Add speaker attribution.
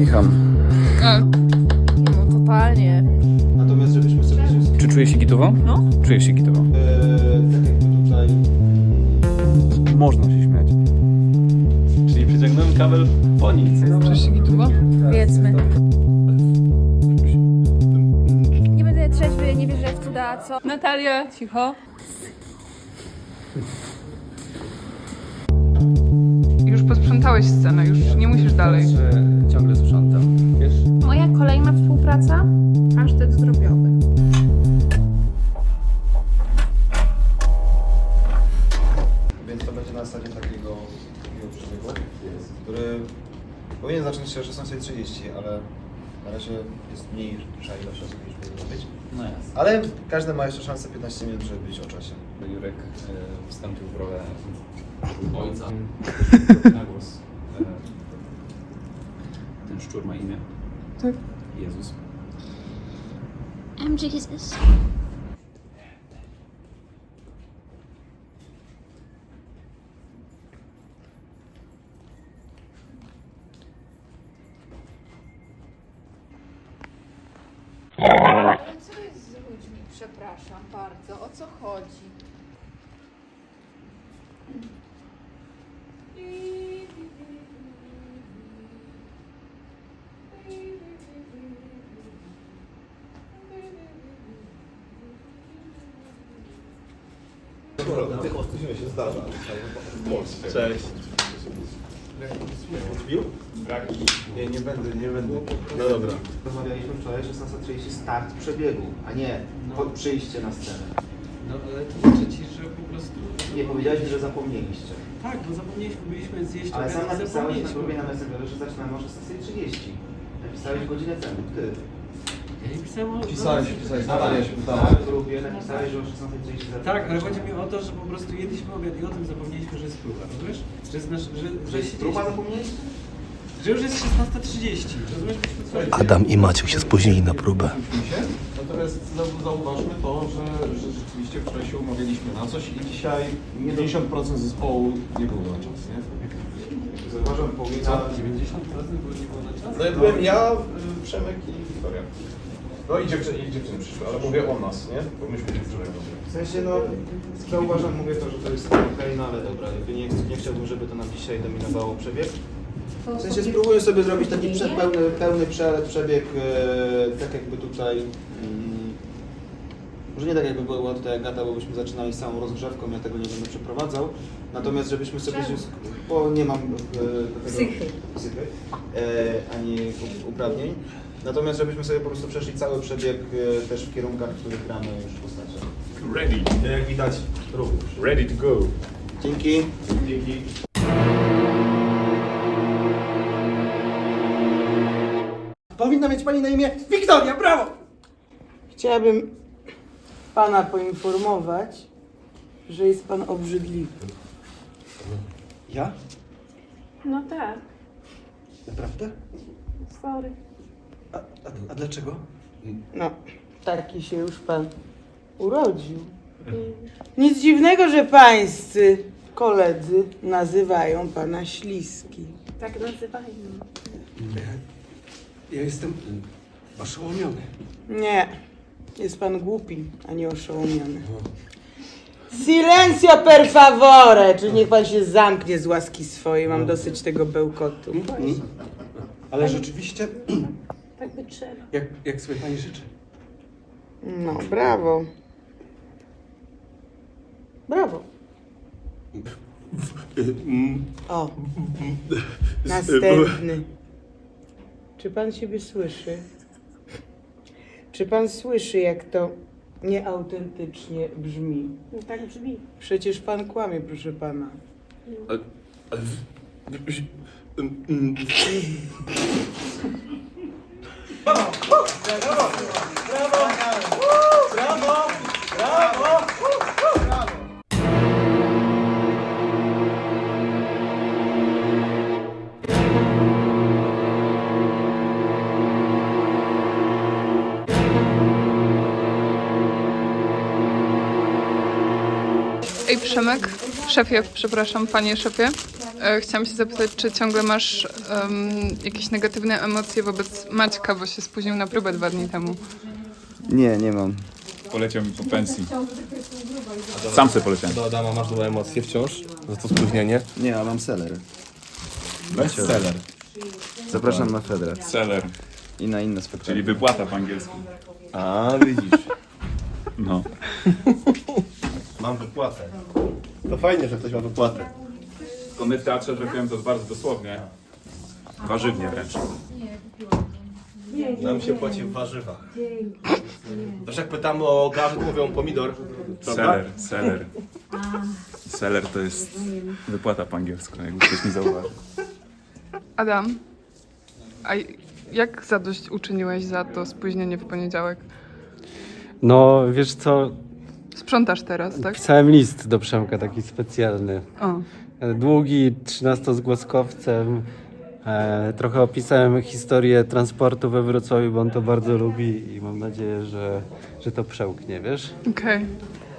Speaker 1: kicham.
Speaker 2: No totalnie.
Speaker 3: Natomiast żebyśmy sobie...
Speaker 1: Czy czujesz się gitowo?
Speaker 2: No.
Speaker 1: Czujesz się gitowo.
Speaker 3: tak jakby tutaj...
Speaker 1: Można się śmiać.
Speaker 4: Czyli przyciągnąłem kabel po nic.
Speaker 2: Czujesz się gitowo? Powiedzmy. Nie będę trzeźwy, nie wierzę w cuda, co? Natalia, cicho.
Speaker 5: Już posprzątałeś scenę, już nie musisz dalej.
Speaker 4: Ciągle sprzątam. Wiesz?
Speaker 2: Moja kolejna współpraca? Pasztet zdrobiowy.
Speaker 3: Więc to będzie na zasadzie takiego przebiegu, który powinien zacząć się o 16:30, ale na razie jest mniejsza ilość osób niż powinno być.
Speaker 4: No jasne.
Speaker 3: Ale każdy ma jeszcze szansę 15 minut, żeby być o czasie.
Speaker 4: Jurek wstąpił w rolę ojca. Na głos. Ten szczur ma imię?
Speaker 5: Tak.
Speaker 4: Jezus.
Speaker 6: I'm Jesus.
Speaker 2: Co jest z ludźmi? Przepraszam bardzo. O co chodzi?
Speaker 3: Spóźniłeś się, zdarza.
Speaker 4: Cześć.
Speaker 3: Odbił? Nie będę.
Speaker 4: No dobra.
Speaker 3: Rozmawialiśmy wczoraj 16:30 start przebiegu, a nie przyjście na scenę.
Speaker 7: No ale tłumaczę ci, że po prostu...
Speaker 3: Nie, powiedziałeś, że zapomnieliście.
Speaker 7: Tak, bo zapomnieliśmy, byliśmy zjeść
Speaker 3: Ale sam
Speaker 7: obiad i
Speaker 3: napisałeś na
Speaker 7: zapomnieliśmy.
Speaker 3: grupie na Messengerze, że zaczynamy o 16:30. Napisałeś godzinę temu, ty.
Speaker 7: Ja nie pisałem o...
Speaker 8: Pisałeś, Natalia się pytała.
Speaker 3: Na grupie napisałeś, że o 16:30 zaczynamy.
Speaker 7: Tak, ale chodzi mi o to, że po prostu jedliśmy obiad i o tym zapomnieliśmy, że jest próba, rozumiesz? Że jest nasz...
Speaker 3: Że jest próba, zapomnieliście?
Speaker 7: Że już jest 16:30, rozumiesz? Byśmy coś...
Speaker 8: Adam i Maciek się spóźnili na próbę.
Speaker 9: Natomiast zauważmy to, że rzeczywiście wczoraj się umawialiśmy na coś i dzisiaj 50% zespołu nie było na czas, nie?
Speaker 3: Zauważam, powinna...
Speaker 7: 90% było nie było na czas?
Speaker 9: No ja byłem ja, Przemek i Wiktoria. No i dziewczyny przyszły, ale mówię o nas, nie? Bo myśmy się wczoraj
Speaker 3: W sensie, no, zauważam, mówię to, że to jest okej, no ale dobra, jakby nie chciałbym, żeby to nam dzisiaj dominowało przebieg. W sensie spróbuję sobie zrobić taki pełny przebieg, tak jakby tutaj, może nie tak jakby była tutaj Agata, bo byśmy zaczynali z samą rozgrzewką, ja tego nie będę przeprowadzał, natomiast żebyśmy sobie, bo nie mam psychy, ani uprawnień, natomiast żebyśmy sobie po prostu przeszli cały przebieg też w kierunkach, w których gramy już w postaci.
Speaker 9: ready.
Speaker 3: Jak widać również.
Speaker 9: Ready to go.
Speaker 3: Dzięki.
Speaker 10: Powinna mieć pani na imię Wiktoria, brawo! Chciałabym pana poinformować, że jest pan obrzydliwy.
Speaker 8: Ja?
Speaker 2: No tak,
Speaker 8: Naprawdę?
Speaker 2: sorry.
Speaker 8: A dlaczego?
Speaker 10: No, taki się już pan urodził. Nic dziwnego, że pańscy koledzy nazywają pana śliski.
Speaker 2: Tak nazywają.
Speaker 8: Ja jestem oszołomiony.
Speaker 10: Nie, jest pan głupi, a nie oszołomiony. Silencio per favore! Czy niech pan się zamknie z łaski swojej, mam dosyć tego bełkotu.
Speaker 8: Ale rzeczywiście,
Speaker 2: Tak by trzeba.
Speaker 8: jak sobie pani życzy.
Speaker 10: No, brawo. Brawo. O, następny. Czy pan siebie słyszy? Czy pan słyszy, jak to nieautentycznie brzmi?
Speaker 2: No tak brzmi.
Speaker 10: Przecież pan kłamie, proszę pana.
Speaker 5: Ej, Przemek, szefie, przepraszam, panie szefie. Chciałam się zapytać, czy ciągle masz jakieś negatywne emocje wobec Maćka, bo się spóźnił na próbę 2 dni temu.
Speaker 3: Nie mam.
Speaker 1: Poleciał mi po pensji. Sam sobie poleciałem.
Speaker 4: Do Adama masz złe emocje wciąż za to spóźnienie?
Speaker 3: Nie, a mam seller.
Speaker 1: Bestseller.
Speaker 3: Zapraszam na Fedrę
Speaker 1: Seller.
Speaker 3: i na inne spektakle.
Speaker 1: Czyli wypłata po angielsku.
Speaker 4: A, widzisz.
Speaker 1: No.
Speaker 4: Mam wypłatę. To fajnie, że ktoś ma wypłatę.
Speaker 1: To my w teatrze trafiłem to bardzo dosłownie. Warzywnie wręcz.
Speaker 4: Nam się płaci w warzywach. Też jak pytamy o garść, mówią pomidor. Prawda?
Speaker 1: Seller, seller. Seller to jest wypłata po angielsku, jakby ktoś mi zauważył.
Speaker 5: Adam, a jak zadość uczyniłeś za to spóźnienie w poniedziałek?
Speaker 6: No, wiesz co,
Speaker 5: Sprzątasz teraz, tak?
Speaker 6: pisałem list do Przemka, taki specjalny.
Speaker 5: O,
Speaker 6: Długi, 13-zgłoskowcem. Trochę opisałem historię transportu we Wrocławiu, bo on to bardzo lubi i mam nadzieję, że to przełknie, wiesz?
Speaker 5: okej.